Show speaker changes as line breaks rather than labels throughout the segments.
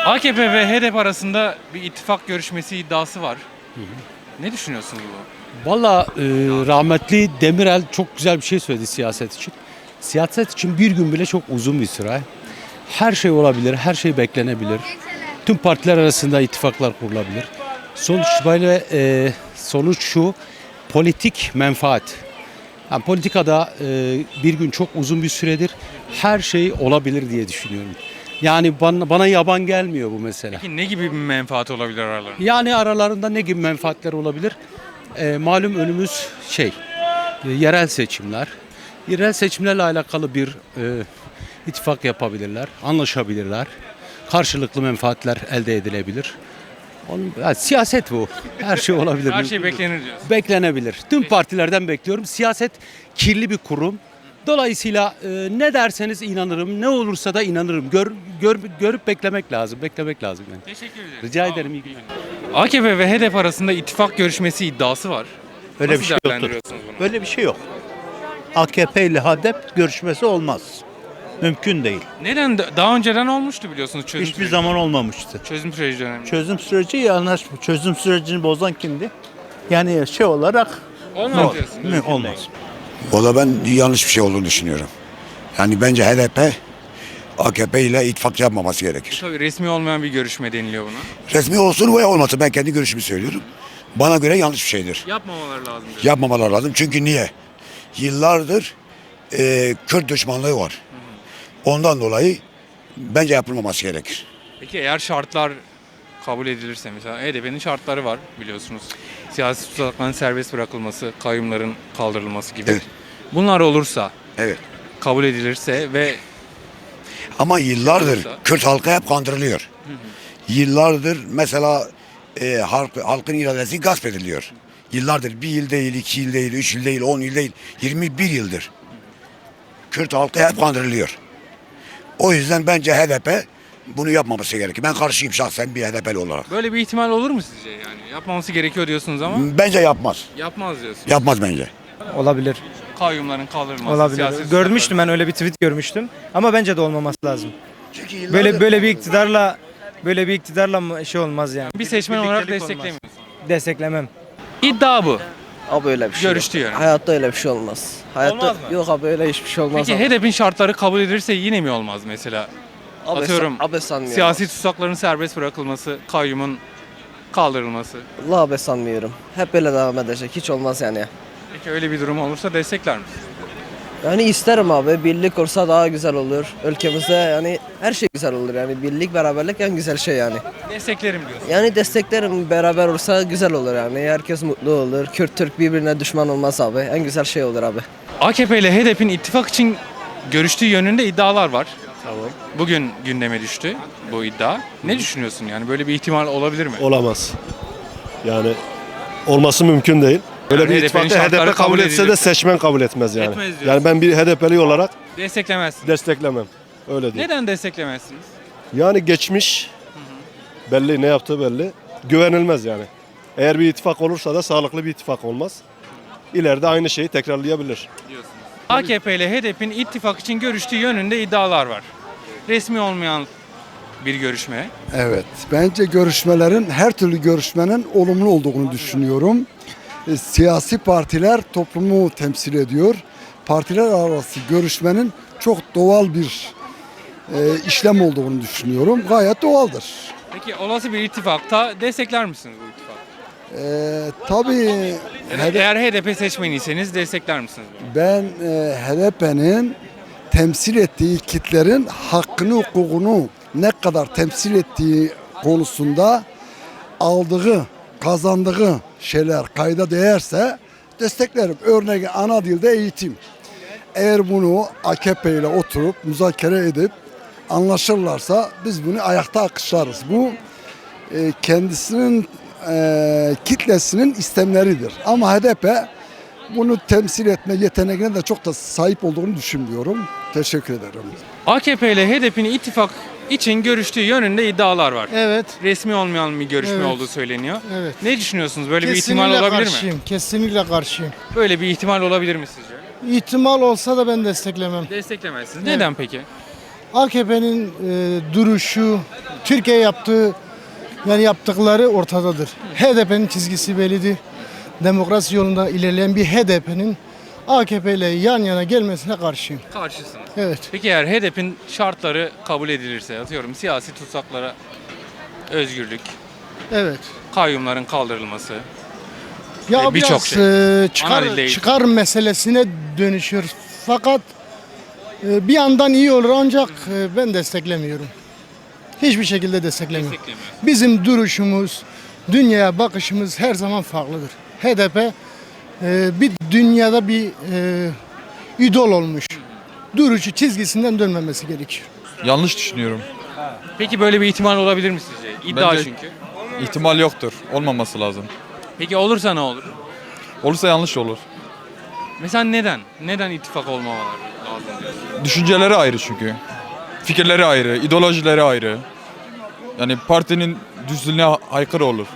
AKP ve HDP arasında bir ittifak görüşmesi iddiası var. Ne düşünüyorsunuz bu?
Valla rahmetli Demirel çok güzel bir şey söyledi siyaset için. Siyaset için bir gün bile çok uzun bir süre. Her şey olabilir, her şey beklenebilir. Tüm partiler arasında ittifaklar kurulabilir. Sonuç itibariyle sonuç şu, politik menfaat. Yani politikada bir gün çok uzun bir süredir her şey olabilir diye düşünüyorum. Yani bana yaban gelmiyor bu mesele.
Peki ne gibi bir menfaat olabilir aralarında?
Yani aralarında ne gibi menfaatler olabilir? Malum önümüz yerel seçimler. Yerel seçimlerle alakalı bir ittifak yapabilirler, anlaşabilirler. Karşılıklı menfaatler elde edilebilir. Yani siyaset bu. Her şey olabilir.
Her şey beklenir diyorsun.
Beklenebilir. Tüm partilerden bekliyorum. Siyaset kirli bir kurum. Dolayısıyla ne derseniz inanırım, ne olursa da inanırım. Görüp beklemek lazım. Beklemek lazım yani.
Teşekkür ederim.
Rica ederim. İyi günler.
AKP ve HDP arasında ittifak görüşmesi iddiası var.
Öyle
Nasıl
bir şey yoktur.
değerlendiriyorsunuz bunu?
Böyle bir şey yok. AKP ile HDP görüşmesi olmaz. Mümkün değil.
Neden? Daha önceden olmuştu biliyorsunuz çözüm
Hiçbir
süreci.
zaman olmamıştı.
Çözüm süreci döneminde.
Çözüm sürecini bozan kimdi? Yani şey olarak
Olmaz diyorsun.
olmaz.
Valla ben yanlış bir şey olduğunu düşünüyorum. Yani bence HDP AKP ile ittifak yapmaması gerekir.
Tabii resmi olmayan bir görüşme deniliyor buna.
Resmi olsun veya olmasın, ben kendi görüşümü söylüyorum. Bana göre yanlış bir şeydir.
Yapmamaları lazım diyor.
Yapmamalar lazım. Çünkü niye? Yıllardır Kürt düşmanlığı var. Ondan dolayı bence yapılmaması gerekir.
Peki eğer şartlar kabul edilirse, mesela HDP'nin şartları var biliyorsunuz. Siyasi tutsakların serbest bırakılması, kayyumların kaldırılması gibi.
Evet.
Bunlar olursa,
Evet.
kabul edilirse ve
Ama yıllardır
Olursa.
Kürt halkı hep kandırılıyor. Yıllardır mesela halkın iradesi gasp ediliyor. Yıllardır, bir yıl değil, 2 yıl değil, 3 yıl değil, 10 yıl değil, 21 yıldır Kürt halkı hep kandırılıyor. O yüzden bence HDP bunu yapmaması gerekir. Ben karşıyım şahsen bir HDP'li olarak.
böyle bir ihtimal olur mu sizce yani? Yapmaması gerekiyor diyorsunuz ama
Bence yapmaz.
yapmaz diyorsunuz.
Yapmaz bence.
Olabilir.
Kayyumların kaldırılması,
Olabilir.
siyasi
Görmüştüm, ben öyle bir tweet görmüştüm. Ama bence de olmaması lazım.
Çünkü yıllardır
Böyle bir iktidarla mı şey olmaz yani.
bir seçmen olarak
Birliktelik olmaz.
desteklemiyorsunuz.
Desteklemem.
İddia bu.
Abi öyle bir şey
Görüştü
yok.
yani.
Hayatta öyle bir şey olmaz. Hayatta
Olmaz mı?
yok abi, öyle hiçbir şey olmaz.
Peki
abi.
HDP'nin şartları kabul edilirse yine mi olmaz mesela?
Abi,
Atıyorum
abi sanmıyorum.
siyasi tutsakların serbest bırakılması, kayyumun kaldırılması.
Allah abi sanmıyorum. Hep böyle devam edecek. Hiç olmaz yani.
Peki öyle bir durum olursa destekler misiniz?
Yani isterim abi. Birlik olsa daha güzel olur. Ülkemizde yani her şey güzel olur. Yani birlik, beraberlik en güzel şey yani.
Desteklerim diyorsun.
Yani desteklerim, beraber olsa güzel olur yani. Herkes mutlu olur. Kürt Türk birbirine düşman olmaz abi. En güzel şey olur abi.
AKP ile HDP'nin ittifak için görüştüğü yönünde iddialar var.
Tamam.
Bugün gündeme düştü bu iddia. Ne düşünüyorsun yani, böyle bir ihtimal olabilir mi?
Olamaz. Yani olması mümkün değil. Öyle
Yani
bir
HDP'nin
ittifakta
şartları
HDP kabul
kabul
etse de
edilirse.
seçmen kabul etmez yani.
Etmez diyorsun.
Yani ben bir HDP'li olarak
Desteklemezsin.
desteklemem. Öyle değil.
Neden desteklemezsiniz?
Yani geçmiş belli, ne yaptığı belli. Güvenilmez yani. Eğer bir ittifak olursa da sağlıklı bir ittifak olmaz. İleride aynı şeyi tekrarlayabilir.
AKP ile HDP'nin ittifak için görüştüğü yönünde iddialar var. Resmi olmayan bir görüşme.
Evet, bence görüşmelerin, her türlü görüşmenin olumlu olduğunu düşünüyorum. Siyasi partiler toplumu temsil ediyor. Partiler arası görüşmenin çok doğal bir işlem olduğunu düşünüyorum. Gayet doğaldır.
Peki olası bir ittifakta destekler misiniz bu ittifakı?
Tabii
Eğer HDP seçmeniyseniz destekler misiniz bunu?
ben HDP'nin temsil ettiği kitlerin hakkını, hukukunu ne kadar temsil ettiği konusunda aldığı, kazandığı şeyler kayda değerse desteklerim. Örneğin ana dilde eğitim. Eğer bunu AKP ile oturup müzakere edip anlaşırlarsa biz bunu ayakta alkışlarız. Bu kendisinin kitlesinin istemleridir. Ama HDP bunu temsil etme yeteneğine de çok da sahip olduğunu düşünmüyorum. Teşekkür ederim.
AKP ile HDP'nin ittifak için görüştüğü yönünde iddialar var.
Evet.
Resmi olmayan bir görüşme
Evet.
olduğu söyleniyor.
Evet.
Ne düşünüyorsunuz? Böyle bir ihtimal olabilir mi?
Kesinlikle karşıyım.
Böyle bir ihtimal olabilir mi sizce?
İhtimal olsa da ben desteklemem.
Desteklemezsiniz.
Evet.
Neden peki?
AKP'nin duruşu, Türkiye yaptıkları ortadadır. HDP'nin çizgisi bellidir. Demokrasi yolunda ilerleyen bir HDP'nin AKP ile yan yana gelmesine karşıyım.
Karşısınız.
Evet.
Peki eğer HDP'nin şartları kabul edilirse, atıyorum siyasi tutsaklara özgürlük,
Evet.
kayyumların kaldırılması,
Ya
birçok
biraz
şey.
çıkar
Ana dilde
çıkar meselesine dönüşür. Fakat bir yandan iyi olur ancak ben desteklemiyorum. Hiçbir şekilde desteklemiyorum.
desteklemiyor.
Bizim duruşumuz, dünyaya bakışımız her zaman farklıdır. HDP bir dünyada bir idol olmuş. Duruşu çizgisinden dönmemesi gerekiyor.
Yanlış düşünüyorum.
Peki böyle bir ihtimal olabilir mi sizce? İddia
Bence-
çünkü.
İhtimal yoktur. Olmaması lazım.
Peki olursa ne olur?
Olursa yanlış olur.
Mesela neden? Neden ittifak olmamaları lazım diyorsun?
Düşünceleri ayrı çünkü. Fikirleri ayrı, ideolojileri ayrı. Yani partinin düzlüğüne aykırı olur.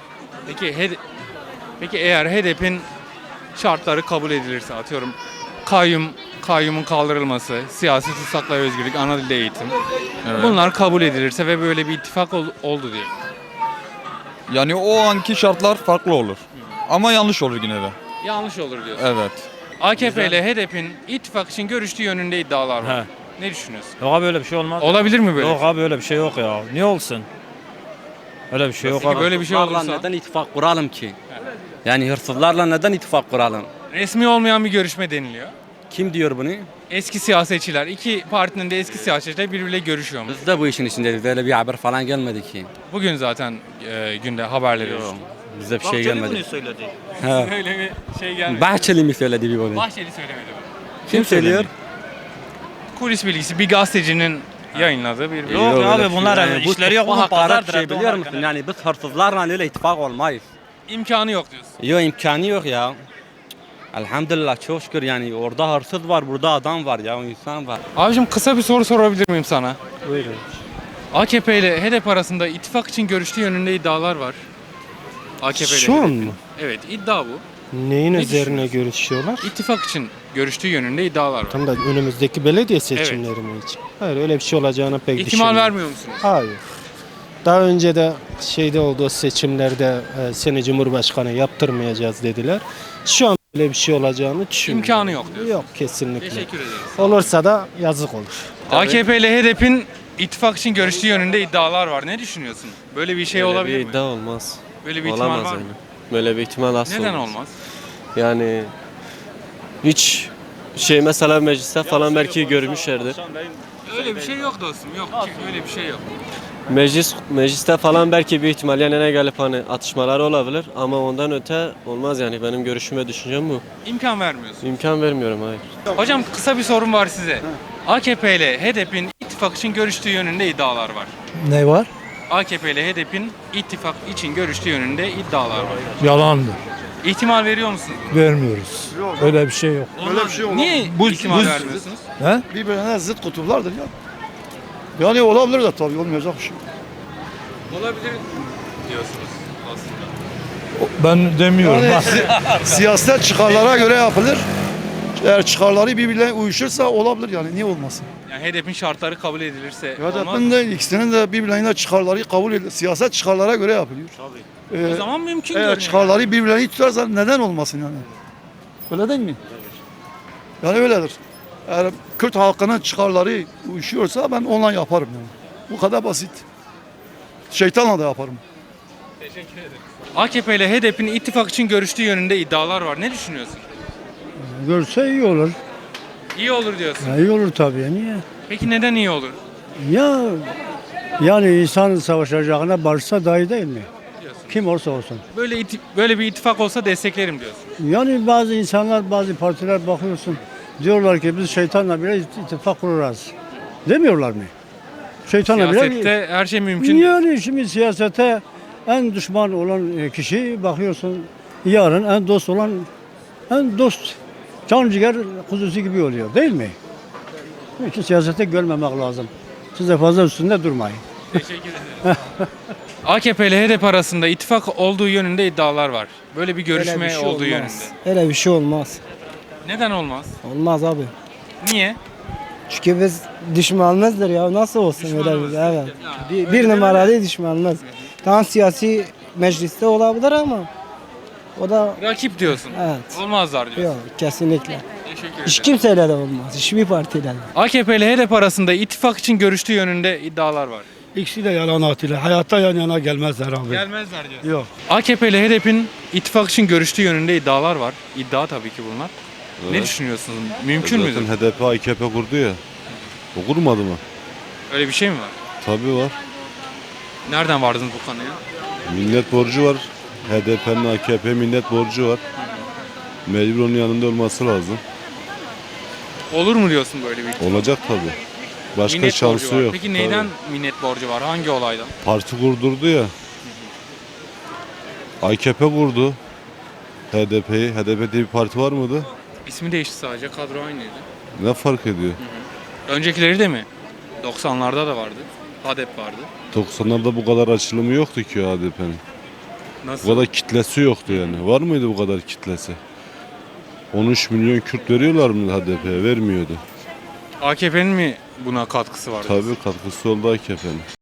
Peki eğer HDP'nin şartları kabul edilirse, atıyorum kayyumun kaldırılması, siyasi tutsaklara özgürlük, ana dilde eğitim.
Evet.
Bunlar kabul edilirse ve böyle bir ittifak oldu diye.
Yani o anki şartlar farklı olur. Ama yanlış olur yine de.
Yanlış olur diyorsun.
Evet.
AKP ile HDP'nin ittifak için görüştüğü yönünde iddialar var. Ne düşünüyorsun?
Yok abi öyle bir şey olmaz.
Olabilir mi böyle?
Yok abi öyle bir şey yok ya. Niye olsun? Öyle bir şey yok
Peki
abi.
böyle bir şey olursa
neden ittifak kuralım ki? Yani hırsızlarla neden ittifak kuralım?
resmi olmayan bir görüşme deniliyor.
Kim diyor bunu?
Eski siyasetçiler, iki partinin de eski siyasetçiler birbiriyle görüşüyormuş.
Biz de bu işin içindeyiz. Böyle bir haber falan gelmedi ki.
Bugün zaten günde haberleri
Yok.
düştü.
Bize bir şey gelmedi.
söyledi.
Öyle bir şey gelmedi.
Bahçeli mi söyledi bir bunu?
Bahçeli söylemedi bunu.
Kim söylüyor?
Kulis bilgisi bir gazetecinin yayınladığı bir
Yok
öyle
abi
bir şey.
bunlar
Yani bu
işleri yok.
bu
Bunun
hakaret
pazardır.
şey
evde
biliyor
onlar
musun?
kadar.
Yani biz hırsızlarla öyle ittifak olmayız.
imkanı yok diyorsun.
Yok imkanı yok ya. Elhamdülillah çok şükür yani orada hırsız var, burada adam var ya, insan var.
Abicim kısa bir soru sorabilir miyim sana?
Buyurun.
AKP ile HDP arasında ittifak için görüştüğü yönünde iddialar var. AKP ile
Şu an
HDP'nin.
mı?
Evet, iddia bu.
Neyin
Ne
üzerine görüşüyorlar?
İttifak için görüştüğü yönünde iddialar var.
Tam da önümüzdeki belediye seçimleri mi için? Hayır öyle bir şey olacağını pek
İhtimal
düşünmüyorum.
vermiyor musunuz?
Hayır. Daha önce de şeyde olduğu seçimlerde seni Cumhurbaşkanı yaptırmayacağız dediler. Şu an böyle bir şey olacağını düşünmüyorum.
İmkanı yok diyorsun.
Yok kesinlikle.
Teşekkür ederiz.
Olursa da yazık olur.
AKP ile HDP'nin ittifak için görüştüğü yönünde iddialar var. Ne düşünüyorsun? Böyle bir şey olabilir mi?
olmaz.
Böyle bir ihtimal var mı?
Böyle bir ihtimal asla
Neden olmaz?
Yani hiç şey mesela mecliste falan belki görmüşlerdir.
Öyle bir şey yok dostum. Yok. Öyle bir şey yok.
Mecliste falan belki bir ihtimal yanına gelip hani atışmalar olabilir ama ondan öte olmaz yani benim görüşüm ve düşüncem bu.
İmkan vermiyorsun.
İmkan vermiyorum hayır.
Hocam kısa bir sorum var size. AKP ile HDP'nin ittifak için görüştüğü yönünde iddialar var.
Ne var?
AKP ile HDP'nin ittifak için görüştüğü yönünde iddialar var.
Yalandır.
İhtimal veriyor musunuz?
Vermiyoruz. Öyle bir şey yok.
Öyle bir şey olmaz. Niye ihtimal vermiyorsunuz?
Birbirine zıt kutuplardır ya. Yani olabilir de tabii olmayacak bir şey.
Olabilir diyorsunuz aslında.
Ben demiyorum.
Yani siyaset çıkarlara göre yapılır. Eğer çıkarları birbirine uyuşursa olabilir yani niye olmasın?
Yani HDP'nin şartları kabul edilirse olmaz
HDP'nin
mı?
de ikisinin de birbirlerine çıkarları kabul edilir. Siyaset çıkarlara göre yapılıyor.
O zaman mümkün
Eğer
görünüyor.
çıkarları birbirlerini tutarsa neden olmasın yani? Öyle değil mi? Yani öyledir. Eğer Kürt halkının çıkarları uyuşuyorsa ben onunla yaparım yani. Bu kadar basit. Şeytanla da yaparım.
Teşekkür ederim. AKP ile HDP'nin ittifak için görüştüğü yönünde iddialar var. Ne düşünüyorsun?
Görse iyi olur.
İyi olur diyorsun.
İyi olur tabii. Niye?
Peki neden iyi olur?
Ya yani insan savaşacağına barışsa daha iyi değil mi?
Diyorsun.
Kim olursa olsun.
Böyle bir ittifak olsa desteklerim diyorsun.
Yani bazı insanlar, bazı partiler bakıyorsun. Diyorlar ki biz şeytanla bile ittifak kurarız. Demiyorlar mı? Şeytanla bile.
Siyasette her şey mümkün.
Yani şimdi siyasete en düşman olan kişi bakıyorsun yarın en dost olan en dost can ciğer kuzusu gibi oluyor değil mi? Onun için siyasete görmemek lazım. Siz de fazla üstünde durmayın.
Teşekkür ederim. AKP ile HDP arasında ittifak olduğu yönünde iddialar var. Böyle bir görüşme olduğu yönünde.
Öyle bir şey olmaz.
Neden olmaz?
Olmaz abi.
Niye?
Çünkü biz düşmanımızdır ya. Nasıl olsun
Düşmanımız.
öyle evet.
Ya,
Bir
öyle
numaralı düşmanımız. Tamam siyasi mecliste olabilir ama o da
Rakip diyorsun.
evet.
Olmazlar diyorsun.
Yok kesinlikle.
Teşekkür
Hiç
ederim.
kimseyle de olmaz. Hiçbir partiyle de.
AKP ile HDP arasında ittifak için görüştüğü yönünde iddialar var.
İkisi de yalan atıyla. Hayatta yan yana gelmezler abi.
Gelmezler diyorsun.
Yok.
AKP ile HDP'nin ittifak için görüştüğü yönünde iddialar var. İddia tabii ki bunlar. Ne düşünüyorsunuz? Mümkün müdür?
HDP AKP kurdu ya. O kurmadı mı?
Öyle bir şey mi var?
Tabii var.
Nereden vardınız bu konuya?
Millet borcu var. HDP'nin AKP millet borcu var. Mecbur onun yanında olması lazım.
Olur mu diyorsun böyle bir ittifak?
Olacak tabii. Başka
Minnet
şansı
borcu var.
yok.
Peki neyden minnet borcu var? Hangi olaydan?
Parti kurdurdu ya. AKP kurdu. HDP'yi. HDP diye bir parti var mıydı?
İsmi değişti sadece. Kadro aynıydı.
Ne fark ediyor?
Öncekileri de mi? 90'larda da vardı. HDP vardı.
90'larda bu kadar açılımı yoktu ki HDP'nin.
Nasıl?
Bu kadar kitlesi yoktu yani. Var mıydı bu kadar kitlesi? 13 milyon Kürt veriyorlar mı HDP'ye? Vermiyordu.
AKP'nin mi buna katkısı var?
Tabii katkısı oldu AKP'nin.